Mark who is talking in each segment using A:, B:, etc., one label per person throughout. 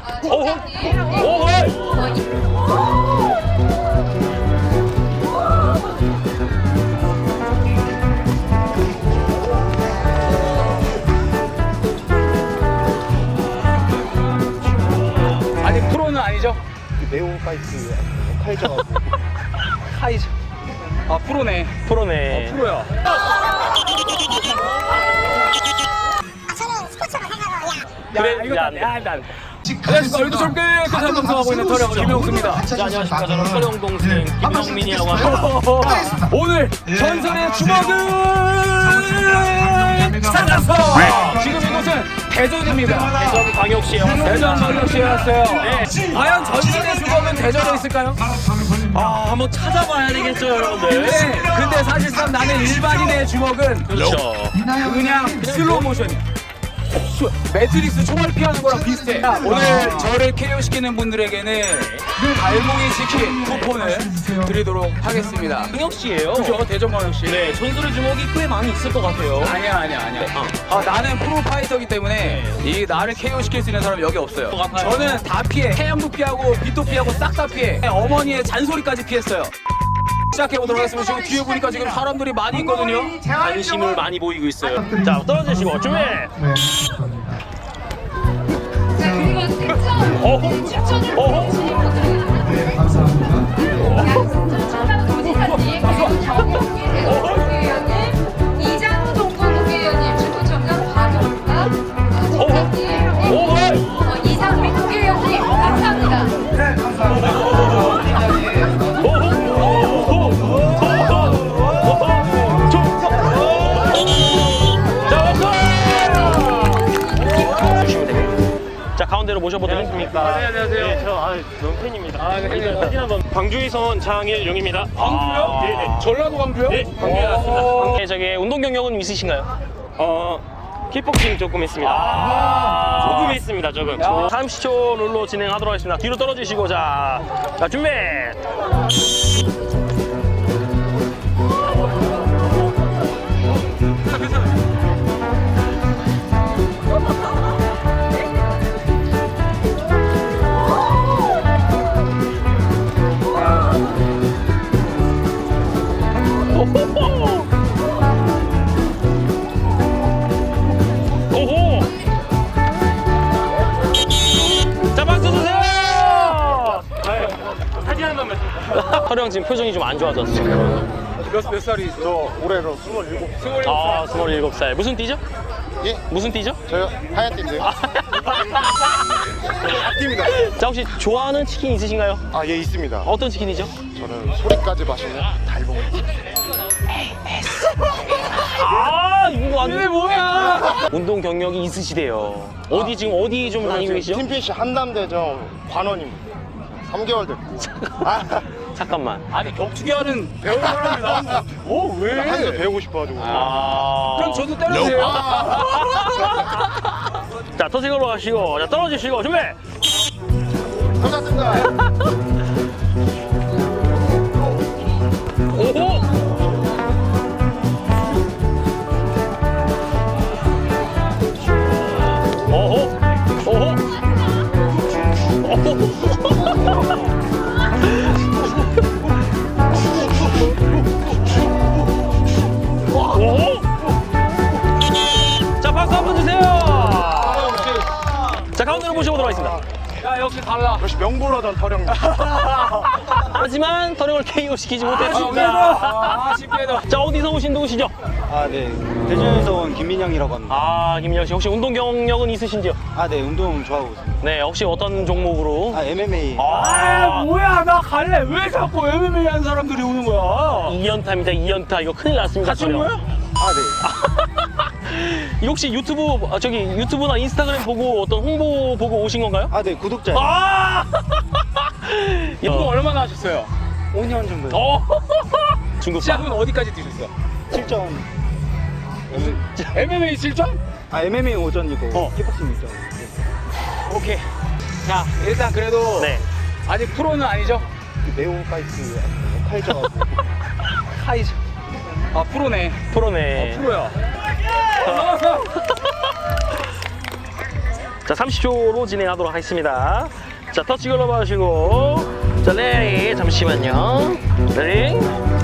A: 아니 프로는 아니죠?
B: 네오 파이트 카이저
A: 카이저. 아 프로네.
C: 프로네.
A: 프로야.
C: 그래, 야,
A: 안녕하십니까. 얼굴 젊게 끝을 방송하고 있는 터령 김영수입니다.
C: 안녕하십니까. 저는 서령 동생 김명민이라고 합니다.
A: 오늘 전설의 주먹은 찾았어. 지금 이곳은 대전입니다.
C: 대전광역시에
A: 대전광역시에 왔어요.
C: 네.
A: 과연 전설의 주먹은 대전에 있을까요?
C: 한번 찾아봐야 되겠죠, 여러분들.
A: 네. 근데 사실상 나는 일반인의 주먹은
C: 그렇죠.
A: 그냥 슬로우 모션이야. 매트릭스 총알 피하는 거랑 비슷해. 오늘 저를 KO시키는 분들에게는 갈고기 치킨 쿠폰을 드리도록 하겠습니다.
C: 광역시예요.
A: 그죠? 대전광역시.
C: 네, 전설의 주먹이 꽤 많이 있을 것 같아요.
A: 아니야. 나는 프로파이터기 때문에 이 나를 KO시킬 수 있는 사람이 여기 없어요. 저는 다 피해. 태양도 피하고 빛도 피하고 싹 다 피해. 어머니의 잔소리까지 피했어요. 시작해보도록 하겠습니다. 지금 뒤에 보니까 지금 사람들이 많이 있거든요.
C: 관심을 많이 보이고 있어요. 자, 떨어지시고 준비.
D: 자, 그리고 특정 추천을 보내주신 분들은
B: 네 감사합니다.
D: 양승준 충남 도지사님, 그리고 정용기 대전국회의원님, 이장우 동부국회의원님, 축구청장 박용가 국장님, 이상민 국회의원님 감사합니다.
B: 네 감사합니다.
C: 자, 가운데로 모셔보도록 하겠습니다.
A: 네, 안녕하세요.
C: 네, 저 너무 팬입니다.
A: 네.
C: 사진 한번. 광주에서 온 장일용입니다.
A: 광주요?
C: 네네.
A: 전라도 광주요?
C: 네, 광주에 왔습니다. 네, 저기 운동 경력은 있으신가요? 킥복싱 조금 했습니다. 조금 했습니다, 조금. 30초 룰로 진행하도록 하겠습니다. 뒤로 떨어지시고, 자 준비! 오호! 자, 박수 주세요! 사진 한 번만. 허령 지금 표정이 좀 안 좋아졌어요.
A: 몇 살이죠?
B: 저 올해로 27.
C: 27살. 무슨 띠죠?
B: 예?
C: 무슨 띠죠?
B: 저요 하얀 띠인데요. 띠입니다.
C: 자, 혹시 좋아하는 치킨 있으신가요?
B: 예 있습니다.
C: 어떤 치킨이죠?
B: 저는 소리까지 마시는 달봉.
C: 이거 안
A: 이게 뭐야?
C: 운동 경력이 있으시대요. 어디 지금 어디 좀 다니고 계시죠?
B: 팀피시 한남대점 관원입니다. 3개월 됐고.
C: 잠깐만.
A: 아니 격투기 하는 배우는 사람이 나왔나? 왜?
B: 한수 배우고 싶어가지고.
A: 그럼 저도 때려주세요.
C: 자, 터색으로 가시고, 자, 떨어지시고, 준비!
B: 감사합니다.
C: 오호! 오호! 오호! 오호! 자, 박수 한번 주세요! 자, 가운데로 모셔보도록 하겠습니다.
A: 야 역시 달라.
B: 역시 명불허전 터령.
C: 하지만 터령을 KO 시키지 못했습니다.
A: 아쉽게도.
C: 자, 어디서 오신 누구시죠?
E: 네. 대전에서 온 김민영이라고 합니다.
C: 김민영 씨, 혹시 운동 경력은 있으신지요?
E: 네. 운동 좋아하고 있습니다.
C: 네, 혹시 어떤 종목으로?
E: MMA.
A: 뭐야 나 갈래. 왜 자꾸 MMA 하는 사람들이 오는 거야?
C: 2연타입니다, 2연타. 이거 큰일 났습니다.
A: 같이 온 거야?
E: 네.
C: 혹시 유튜브나 인스타그램 보고 어떤 홍보 보고 오신 건가요?
E: 네. 구독자.
A: 이거 얼마나 하셨어요?
E: 5년 정도.
C: 중국파.
A: 시작은 어디까지 뛰셨어?
E: 7점.
A: MMA 7점?
E: MMA 5전이고 킥복싱 6점.
A: 오케이. 자 일단 그래도
C: 네.
A: 아직 프로는 아니죠?
B: 네오 파이트 카이저
A: 카이저. 프로네.
C: 프로네.
A: 프로야.
C: 자, 30초로 진행하도록 하겠습니다. 자, 터치 글러브 하시고. 자, 레디. 잠시만요. 레디.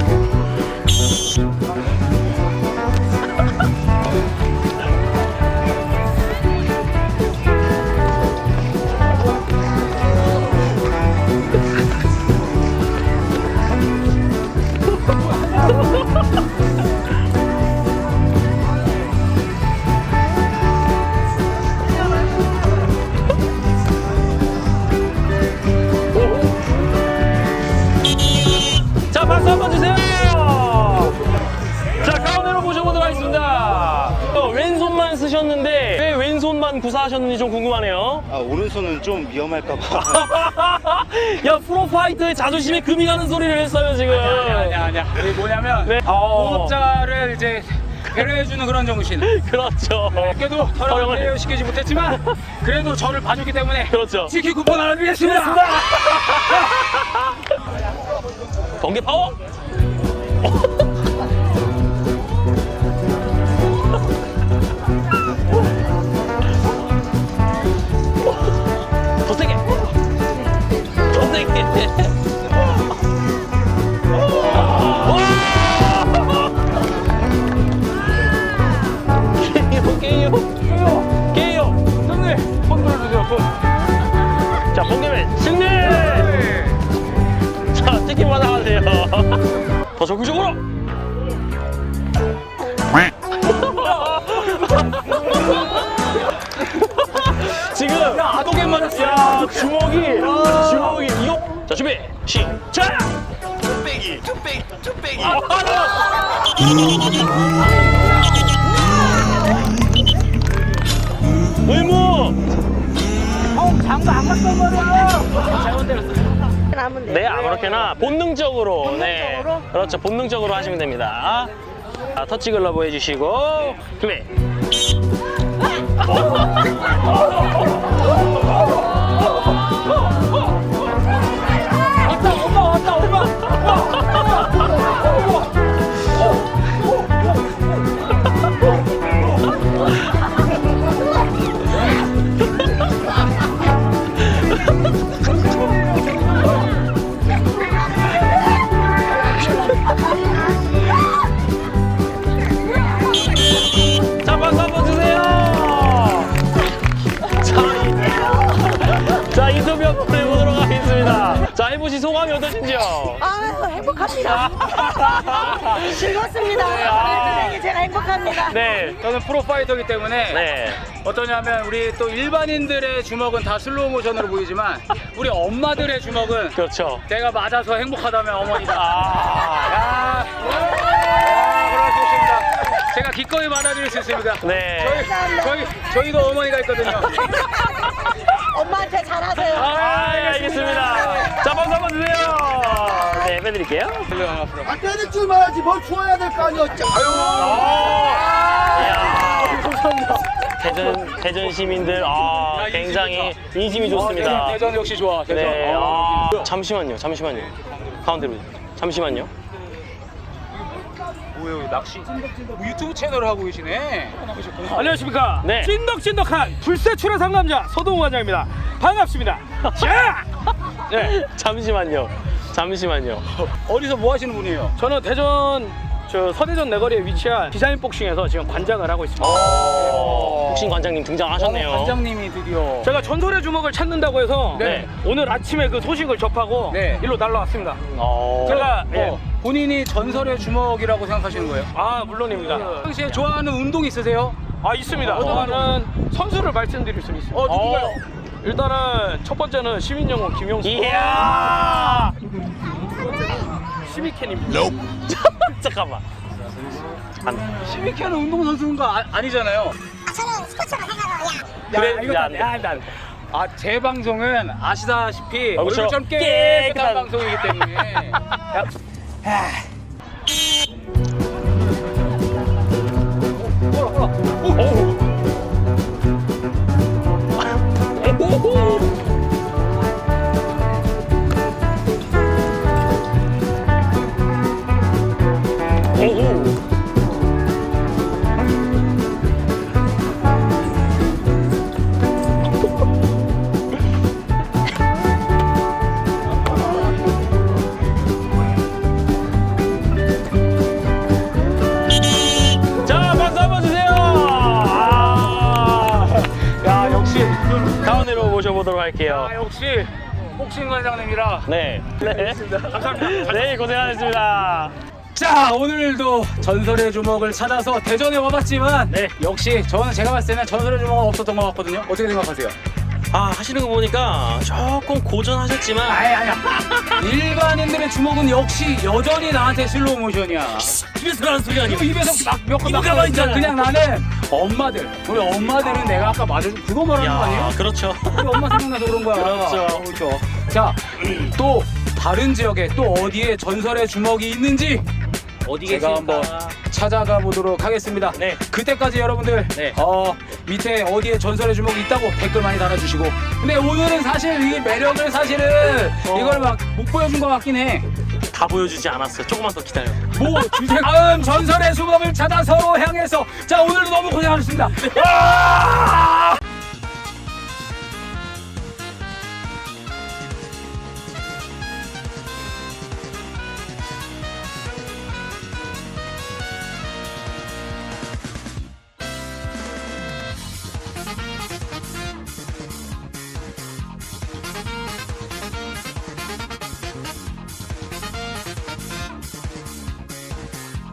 C: 자, 박수 한번 주세요. 자, 가운데로 모셔보도록 하겠습니다. 왼손만 쓰셨는데 왜 왼손만 구사하셨는지 좀 궁금하네요.
E: 아, 오른손은 좀 위험할까봐.
C: 야, 프로파이터의 자존심에 금이 가는 소리를 했어요 지금.
A: 아니야. 이게 뭐냐면
C: 네.
A: 동업자를 이제 배려해주는 그런 정신.
C: 그렇죠.
A: 그래도 촬영을 배려시키지 못했지만 그래도 저를 봐줬기 때문에
C: 그렇죠.
A: 치킨 쿠폰 하나 드리겠습니다.
C: 번개 파워. 더 세게. 더 세게. 게요.
A: 형님 손 들어주세요. 손.
C: 자, 번개맨 승리. 자, 치킨 받아가세요. 더 적극적으로. 지금
A: 아도게 맞았어.
C: 야, 주먹이 이거. 자, 준비 시작. 뚝배기. 의무.
A: 장도 안 갔단 말이야. 잘못 때렸어.
C: 네, 아무렇게나 본능적으로. 네, 그렇죠. 본능적으로 하시면 됩니다. 자, 터치 글러브 해주시고 준비. 자, 박수 한번 주세요. 자, 인터뷰 한번 해보도록 하겠습니다. 자, 해보신 소감이 어떠신지요?
F: 아, 행복합니다. 즐겁습니다. 그래서 제가 행복합니다.
C: 네,
A: 저는 프로파이터이기 때문에
C: 네.
A: 어떠냐면 우리 또 일반인들의 주먹은 다 슬로우 모션으로 보이지만 우리 엄마들의 주먹은
C: 그렇죠.
A: 내가 맞아서 행복하다면 어머니다.
C: 아,
A: 그럴 수 있습니다. 제가 기꺼이 받아들일 수 있습니다.
C: 네.
A: 저희도 어머니가 있거든요.
F: 엄마한테 잘하세요.
C: 알겠습니다. 자, 박수 한번 주세요. 네, 빼드릴게요.
B: 아, 때릴 줄 말하지 뭘 주워야 될 거 아니야.
C: 대전 시민들 굉장히 인심이 좋습니다.
A: 대전 역시 좋아. 대전.
C: 네. 잠시만요. 가운데로. 잠시만요.
A: 뭐예요, 낚시? 유튜브 채널을 하고 계시네.
G: 안녕하십니까.
C: 네.
G: 찐덕찐덕한 불세출의 상남자 서동우 관장입니다. 반갑습니다. 자! 네.
C: 잠시만요.
A: 어디서 뭐 하시는 분이에요?
G: 저는 대전 서대전 내거리에 위치한 디자인 복싱에서 지금 관장을 하고 있습니다.
C: 복싱 관장님 등장하셨네요.
A: 관장님이 드디어.
G: 제가 전설의 주먹을 찾는다고 해서
C: 네.
G: 오늘 아침에 그 소식을 접하고
A: 네.
G: 일로 날라왔습니다.
C: 어.
G: 제가
A: 본인이 전설의 주먹이라고 생각하시는 거예요?
G: 물론입니다.
A: 평소에 좋아하는 운동 있으세요?
G: 있습니다. 저는 선수를 말씀드릴 수 있습니다.
A: 누구요?
G: 일단은 첫 번째는 시민영웅 김용수.
C: 이야.
G: 시미캔입니다.
C: 잠깐만.
A: 시미케는 운동선수인 거 아니잖아요.
F: 저는 스포츠로 생각하고요.
C: 그래,
A: 이거 안 돼. 제 방송은 아시다시피
C: 그렇죠.
A: 얼굴 좀 깨끗한 방송이기 때문에.
C: 가보도록 할게요.
G: 아, 역시 복싱 관장님이라.
C: 네. 네.
G: 감사합니다.
C: 네, 고생하셨습니다.
A: 자, 오늘도 전설의 주먹을 찾아서 대전에 와봤지만
C: 네.
A: 역시 제가 봤을 때는 전설의 주먹은 없었던 것 같거든요. 어떻게 생각하세요?
C: 아, 하시는 거 보니까 조금 고전하셨지만
A: 아니야. 일반인들의 주먹은 역시 여전히 나한테 슬로우 모션이야.
C: 입에서 나는 소리 아니에요.
A: 입에서 몇번
C: 이거 가만히 있잖아.
A: 그냥 나는 우리 엄마들은 내가 아까 맞아준 그거 말하는 거 아니에요?
C: 야, 그렇죠.
A: 우리 엄마 생각나서 그런 거야.
C: 그렇죠.
A: 자, 또 다른 지역에 또 어디에 전설의 주먹이 있는지
C: 어디
A: 제가 한번 찾아가 보도록 하겠습니다.
C: 네.
A: 그때까지 여러분들
C: 네.
A: 밑에 어디에 전설의 주먹이 있다고 댓글 많이 달아주시고. 근데 오늘은 사실 이 매력을 사실은 이걸 막 못 보여준 것 같긴 해.
C: 다 보여주지 않았어요. 조금만 더 기다려.
A: 뭐 주제 다음 전설의 주먹을 찾아서 향해서 자 오늘도 너무 고생하셨습니다. 아!